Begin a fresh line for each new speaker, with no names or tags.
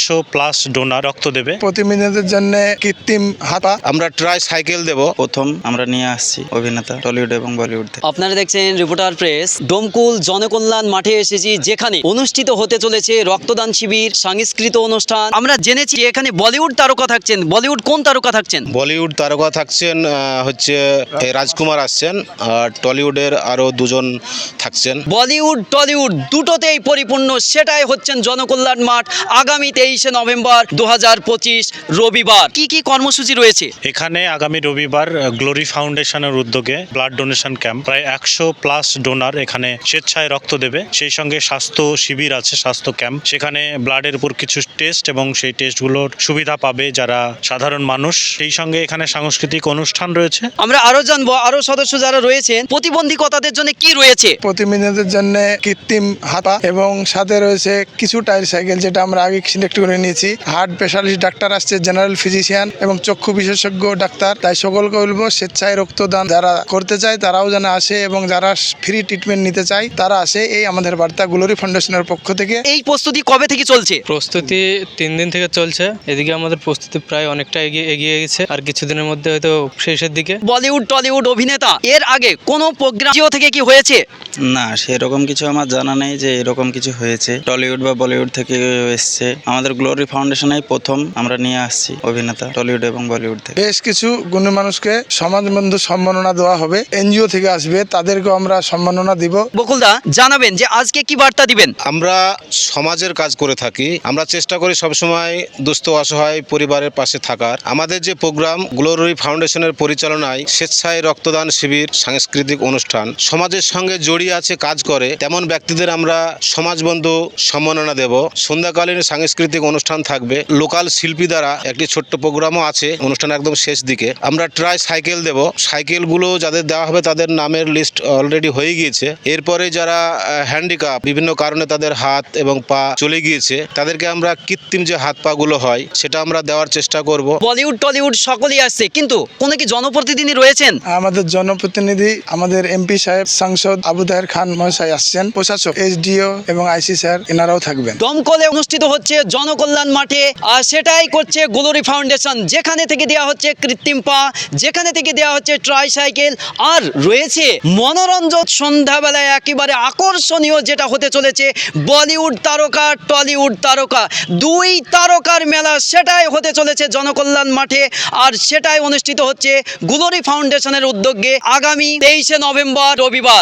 100+ donor রক্ত দেবে।
প্রতিনিধিদের জন্য কৃত্রিম হাতা,
আমরা ট্রাই সাইকেল দেব। প্রথম আমরা নিয়ে আসছি অভিনেতা টলিউড এবং বলিউড থেকে।
আপনারা দেখছেন রিপোর্টার প্রেস। ডোমকুল জনকল্যাণ মাঠে এসেছি, যেখানে অনুষ্ঠিত হতে চলেছে রক্তদান শিবির, সাংস্কৃতিক অনুষ্ঠান। আমরা জেনেছি এখানে বলিউড তারকা থাকছেন। বলিউড কোন তারকা থাকছেন?
বলিউড তারকা থাকছেন হচ্ছে রাজকুমার আসছেন, আর টলিউডের আরো দুজন থাকছেন।
বলিউড টলিউড দুটোতেই পরিপূর্ণ, সেটাই হচ্ছেন জনকল্যাণ মাঠ। আগামী 23শে নভেম্বর 2025 রবিবার কি কি কর্মসূচি রয়েছে?
এখানে আগামী রবিবার গ্লোরি ফাউন্ডেশনের উদ্যোগে ব্লাড ডোনেশন ক্যাম্প, প্রায় 100+ ডোনার এখানে স্বেচ্ছায় রক্ত দেবে। সেই সঙ্গে স্বাস্থ্য শিবির আছে, স্বাস্থ্য ক্যাম্প, সেখানে ব্লাডের উপর কিছু টেস্ট এবং সেই টেস্টগুলোর সুবিধা পাবে যারা সাধারণ মানুষ। সেই সঙ্গে এখানে সাংস্কৃতিক অনুষ্ঠান রয়েছে।
আমরা আরো জানবো আরো সদস্য যারা রয়েছেন প্রতিবন্ধীকতাদের জন্য কি রয়েছে।
প্রতিনিধিদের জন্য কৃত্রিম হাতা এবং সাথে রয়েছে কিছু টায়ার সাইকেল, যেটা আমরা আগে সিলেক্ট করে নিয়েছি। হার্ট স্পেশালিস্ট ডাক্তার আসছে, জেনারেল ফিজিশিয়ান এবং চক্ষু বিশেষজ্ঞ ডাক্তার। তাই সকলকে বলবো স্বেচ্ছায় রক্তদান যারা করতে চায় তারাও যেন আসে, এবং যারা ফ্রি ট্রিটমেন্ট নিতে চায় তারা আসে। এই আমাদের বার্তা গ্লোরি ফাউন্ডেশনের পক্ষ থেকে।
এই প্রস্তুতি কবে থেকে চলছে?
প্রস্তুতি 3 দিন থেকে চলছে। এদিকে আমাদের প্রস্তুতি প্রায় অনেকটা এগিয়ে গেছে, আর কিছুদিনের মধ্যে হয়তো শেষের দিকে।
বলিউড টলিউড অভিনেতা এর আগে কোনো প্রোগ্রাম থেকে কি হয়েছে?
না, সেরকম কিছু আমার জানা নেই যে এরকম কিছু হয়েছে। টলিউড বা বলিউড থেকে এসছে। আমাদের গ্লোরি ফাউন্ডেশনেই প্রথম আমরা নিয়ে আসছি অভিনেতা টলিউড এবং বলিউড থেকে।
বেশ কিছু গুণী মানুষকে সমাজবন্ধু সম্মাননা দেওয়া হবে, এনজিও থেকে আসবে, তাদেরকেও আমরা সম্মাননা দিব।
বকুলদা জানাবেন যে আজকে কি বার্তা দিবেন?
আমরা সমাজের কাজ করে থাকি, আমরা চেষ্টা করি সবসময় দুস্থ অসহায় পরিবারের পাশে থাকার। আমাদের যে প্রোগ্রাম গ্লোরি ফাউন্ডেশনের পরিচালনায় স্বেচ্ছায় রক্তদান শিবির, সাংস্কৃতিক অনুষ্ঠান, সমাজের সঙ্গে জড়িয়ে আছে, কাজ করে তেমন ব্যক্তিদের আমরা সমাজবন্ধু সম্মাননা দেব। সন্ধ্যাকালীন সাংস্কৃতিক অনুষ্ঠান থাকবে, লোকাল শিল্পী দ্বারা একটি ছোট্ট প্রোগ্রামও আছে। অনুষ্ঠান একদম শেষ দিকে আমরা ট্রাই সাইকেল দেব। সাইকেলগুলো যাদের দেওয়া হবে তাদের নামের লিস্ট অলরেডি হয়ে গিয়েছে। এরপরে যারা হ্যান্ডিক্যাপ, বিভিন্ন কারণে তাদের হাত এবং পা চলে গিয়েছে, তাদেরকে আমরা কৃত্রিম যে হাত পা গুলো হয় সেটা আমরা দেওয়ার চেষ্টা করব।
বলিউড টলিউড সকলেই আসছে, কিন্তু কোনো কি জনপ্রতিনিধি রয়েছেন?
আমাদের জনপ্রতিনিধি, আমাদের এমপি সাহেব, সাংসদ আবু তাহের খান মহাশয় আসছেন, প্রশাসক এসডিও এবং আইসি স্যার এনারাও থাকবেন।
দমকলে অনুষ্ঠিত হচ্ছে জনকল্যাণ মাঠে, আর সেটাই করছে গ্লোরি ফাউন্ডেশন। যেখানে থেকে দেওয়া হচ্ছে কৃত্রিম পা, যেখানে থেকে দেওয়া হচ্ছে ট্রাই সাইকেল, আর রয়েছে মনোরঞ্জন। সন্ধ্যাবেলায় একেবারে আকর্ষণীয় যেটা হতে চলেছে বলিউড তারকা টলিউড তারকা, দুই তারকার মেলা, সেটাই হতে চলেছে জনকল্যাণ মাঠে। আর সেটাই অনুষ্ঠিত হচ্ছে গ্লোরি ফাউন্ডেশনের উদ্যোগে আগামী 23শে নভেম্বর রবিবার।